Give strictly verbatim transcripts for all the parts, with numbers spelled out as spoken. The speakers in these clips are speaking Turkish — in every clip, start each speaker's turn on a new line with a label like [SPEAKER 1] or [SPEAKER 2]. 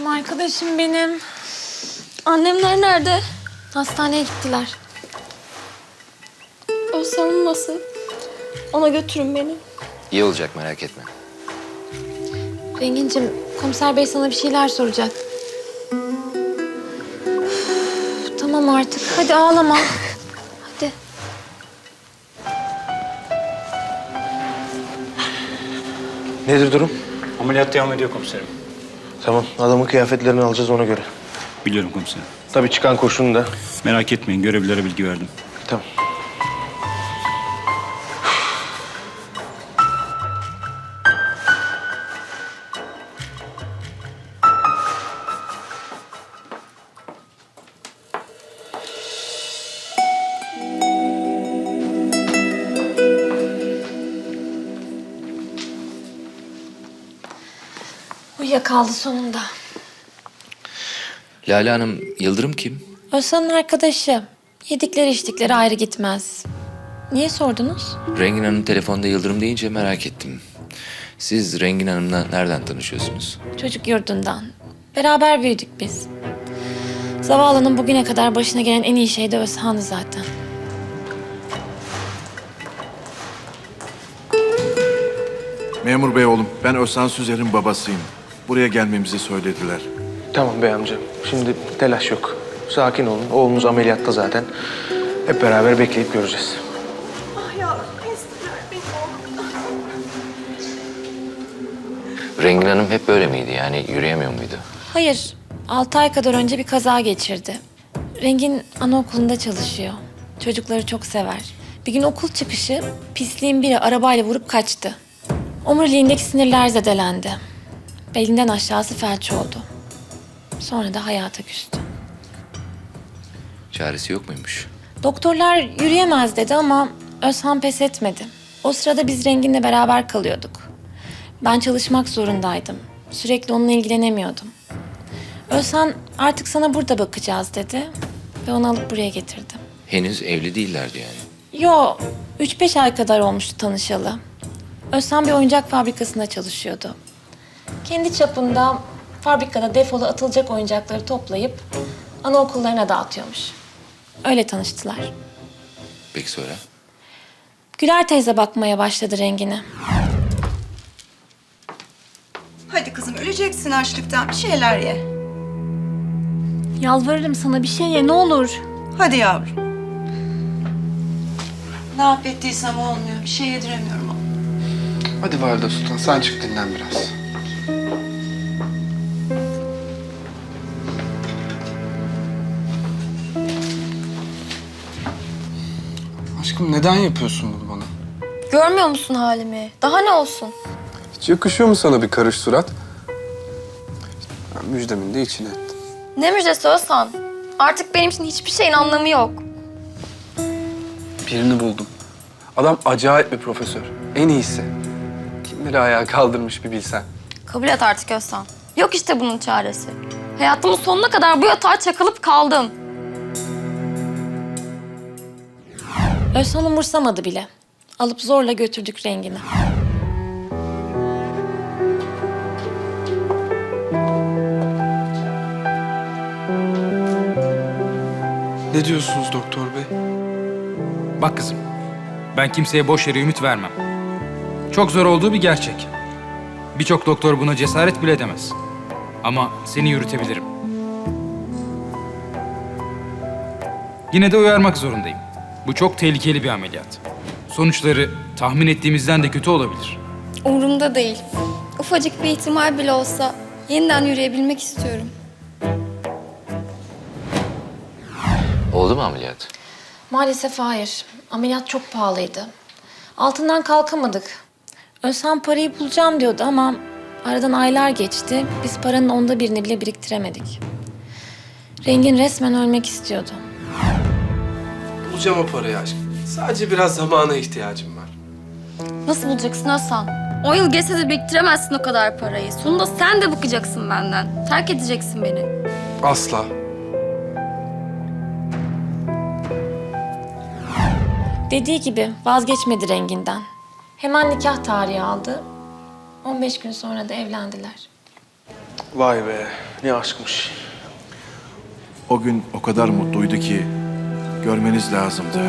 [SPEAKER 1] Canım arkadaşım benim.
[SPEAKER 2] Annemler nerede?
[SPEAKER 1] Hastaneye gittiler.
[SPEAKER 2] Özlem'im nasıl? Ona götürün beni.
[SPEAKER 3] İyi olacak, merak etme.
[SPEAKER 1] Rengincim, komiser bey sana bir şeyler soracak. Üf, tamam artık. Hadi ağlama. Hadi.
[SPEAKER 4] Nedir durum?
[SPEAKER 5] Ameliyat devam ediyor komiserim.
[SPEAKER 4] Tamam, adamın kıyafetlerini alacağız ona göre.
[SPEAKER 5] Biliyorum komiserim.
[SPEAKER 4] Tabii çıkan kurşunu da.
[SPEAKER 5] Merak etmeyin, görevlilere bilgi verdim.
[SPEAKER 4] Tamam.
[SPEAKER 1] Uyuyakaldı sonunda.
[SPEAKER 3] Lale Hanım, Yıldırım kim?
[SPEAKER 1] Özlem'in arkadaşı. Yedikleri içtikleri ayrı gitmez. Niye sordunuz?
[SPEAKER 3] Rengin Hanım telefonda Yıldırım deyince merak ettim. Siz Rengin Hanım'la nereden tanışıyorsunuz?
[SPEAKER 1] Çocuk yurdundan. Beraber büyüdük biz. Zavallının bugüne kadar başına gelen en iyi şey de Özhan'dı zaten.
[SPEAKER 6] Memur bey oğlum, ben Özhan Süzer'in babasıyım. Buraya gelmemizi söylediler.
[SPEAKER 4] Tamam bey amca. Şimdi telaş yok. Sakin olun. Oğlunuz ameliyatta zaten. Hep beraber bekleyip göreceğiz.
[SPEAKER 3] Rengin Hanım hep böyle miydi? Yani yürüyemiyor muydu?
[SPEAKER 1] Hayır, altı ay kadar önce bir kaza geçirdi. Rengin anaokulunda çalışıyor. Çocukları çok sever. Bir gün okul çıkışı pisliğin biri arabayla vurup kaçtı. Omuriliğindeki sinirler zedelendi. Belinden aşağısı felç oldu. Sonra da hayata küstü.
[SPEAKER 3] Çaresi yok muymuş?
[SPEAKER 1] Doktorlar yürüyemez dedi ama Özhan pes etmedi. O sırada biz Rengin'le beraber kalıyorduk. Ben çalışmak zorundaydım. Sürekli onunla ilgilenemiyordum. Özhan artık sana burada bakacağız dedi ve onu alıp buraya getirdim.
[SPEAKER 3] Henüz evli değillerdi yani.
[SPEAKER 1] Yo, üç beş ay kadar olmuştu tanışalı. Özhan bir oyuncak fabrikasında çalışıyordu. Kendi çapında fabrikada defolu atılacak oyuncakları toplayıp anaokullarına dağıtıyormuş. Öyle tanıştılar.
[SPEAKER 3] Peki sonra?
[SPEAKER 1] Güler teyze bakmaya başladı Rengin'e.
[SPEAKER 7] Hadi kızım, öleceksin açlıktan. Bir şeyler ye.
[SPEAKER 1] Yalvarırım sana bir şey ye ne olur.
[SPEAKER 7] Hadi yavrum. Ne yap ettiysem olmuyor. Bir şey yediremiyorum ona.
[SPEAKER 8] Hadi Valide Sultan, sen çık dinlen biraz. Aşkım neden yapıyorsun bunu bana?
[SPEAKER 2] Görmüyor musun halimi? Daha ne olsun?
[SPEAKER 8] Hiç yakışıyor mu sana bir karış surat? Ben müjdemin de içine ettim.
[SPEAKER 2] Ne müjdesi Özhan? Artık benim için hiçbir şeyin anlamı yok.
[SPEAKER 8] Birini buldum. Adam acayip bir profesör. En iyisi. Kimleri ayağa kaldırmış bir bilsen.
[SPEAKER 2] Kabul et artık Özhan. Yok işte bunun çaresi. Hayatımın sonuna kadar bu yatağa çakılıp kaldım.
[SPEAKER 1] Özhan umursamadı bile. Alıp zorla götürdük Rengin'i.
[SPEAKER 8] Ne diyorsunuz doktor bey?
[SPEAKER 9] Bak kızım, ben kimseye boş yere ümit vermem. Çok zor olduğu bir gerçek. Birçok doktor buna cesaret bile edemez. Ama seni yürütebilirim. Yine de uyarmak zorundayım. Bu çok tehlikeli bir ameliyat. Sonuçları tahmin ettiğimizden de kötü olabilir.
[SPEAKER 2] Umurumda değil. Ufacık bir ihtimal bile olsa yeniden yürüyebilmek istiyorum.
[SPEAKER 3] Oldu mu ameliyat?
[SPEAKER 1] Maalesef hayır. Ameliyat çok pahalıydı. Altından kalkamadık. Özhan parayı bulacağım diyordu ama aradan aylar geçti. Biz paranın onda birini bile biriktiremedik. Rengin resmen ölmek istiyordu.
[SPEAKER 8] Bulacağım o parayı aşkım. Sadece biraz zamana ihtiyacım var.
[SPEAKER 2] Nasıl bulacaksın Özhan? On yıl geçse de biriktiremezsin o kadar parayı. Sonunda sen de bıkacaksın benden. Terk edeceksin beni.
[SPEAKER 8] Asla.
[SPEAKER 1] Dediği gibi vazgeçmedi Rengin'den. Hemen nikah tarihi aldı. on beş gün sonra da evlendiler.
[SPEAKER 4] Vay be, ne aşkmış.
[SPEAKER 6] O gün o kadar mutluydu ki görmeniz lazımdı.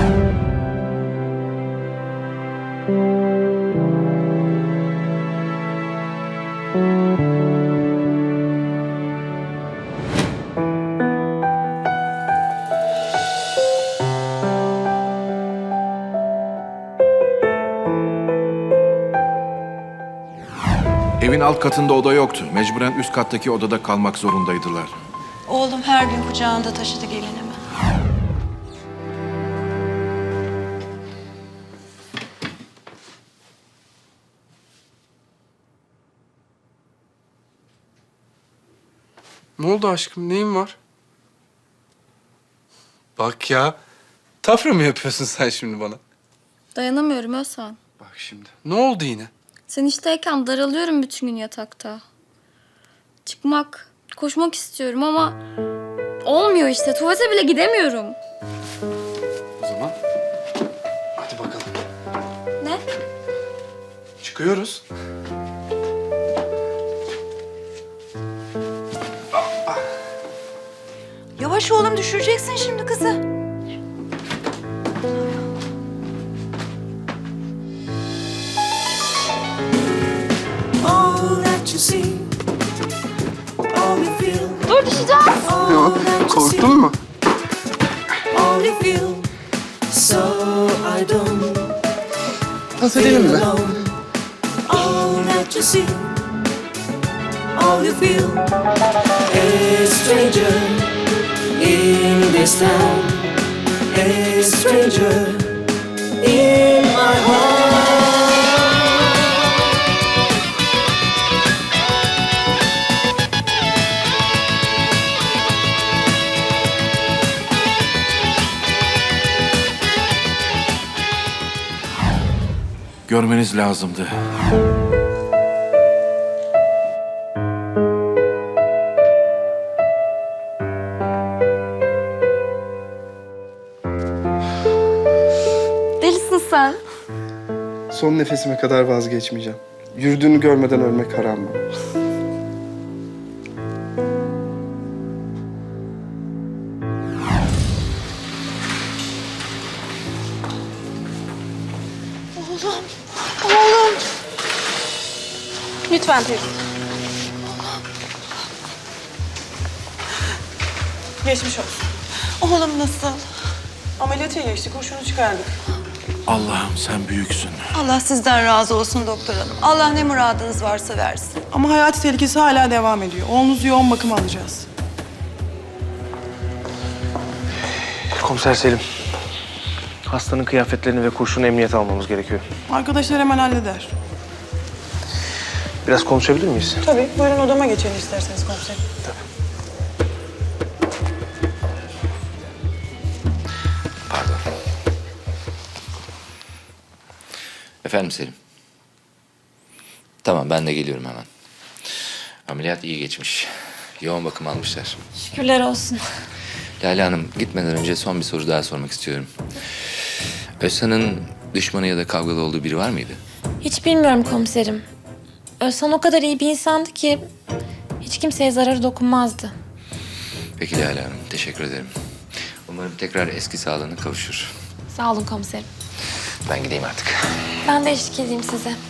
[SPEAKER 6] Evin alt katında oda yoktu. Mecburen üst kattaki odada kalmak zorundaydılar.
[SPEAKER 7] Oğlum her gün kucağında taşıdı gelinimi.
[SPEAKER 8] Ne oldu aşkım? Neyin var? Bak ya. Tafra mı yapıyorsun sen şimdi bana?
[SPEAKER 2] Dayanamıyorum Özhan.
[SPEAKER 8] Bak şimdi. Ne oldu yine?
[SPEAKER 2] Sen işteyken daralıyorum bütün gün yatakta. Çıkmak, koşmak istiyorum ama olmuyor işte. Tuvalete bile gidemiyorum.
[SPEAKER 8] O zaman hadi bakalım.
[SPEAKER 2] Ne?
[SPEAKER 8] Çıkıyoruz.
[SPEAKER 7] Yavaş oğlum, düşüreceksin şimdi kızı.
[SPEAKER 2] Dur düşeceğim.
[SPEAKER 8] Korktun mu? Pas edelim mi?
[SPEAKER 6] Görmeniz lazımdı.
[SPEAKER 2] Delisin sen.
[SPEAKER 8] Son nefesime kadar vazgeçmeyeceğim. Yürüdüğünü görmeden ölmek haram bana.
[SPEAKER 7] Lütfen teyze.
[SPEAKER 10] Geçmiş olsun. Oğlum nasıl? Ameliyata geçtik, kurşunu çıkardık.
[SPEAKER 6] Allah'ım sen büyüksün.
[SPEAKER 7] Allah sizden razı olsun doktor hanım. Allah ne muradınız varsa versin.
[SPEAKER 10] Ama hayati tehlikesi hala devam ediyor. Oğlunuzu yoğun bakıma alacağız.
[SPEAKER 4] Komiser Selim. Hastanın kıyafetlerini ve kurşunu emniyete almamız gerekiyor.
[SPEAKER 10] Arkadaşlar hemen halleder.
[SPEAKER 4] Biraz konuşabilir miyiz?
[SPEAKER 10] Tabii, buyurun odama geçelim isterseniz komiserim.
[SPEAKER 3] Pardon. Efendim Selim. Tamam ben de geliyorum hemen. Ameliyat iyi geçmiş. Yoğun bakım almışlar.
[SPEAKER 1] Şükürler olsun.
[SPEAKER 3] Lale Hanım gitmeden önce son bir soru daha sormak istiyorum. Özhan'ın düşmanı ya da kavgalı olduğu biri var mıydı?
[SPEAKER 1] Hiç bilmiyorum komiserim. Özhan o kadar iyi bir insandı ki hiç kimseye zararı dokunmazdı.
[SPEAKER 3] Peki Lale Hanım teşekkür ederim. Umarım tekrar eski sağlığına kavuşur.
[SPEAKER 1] Sağ olun komiserim.
[SPEAKER 3] Ben gideyim artık.
[SPEAKER 1] Ben de eşlik edeyim size.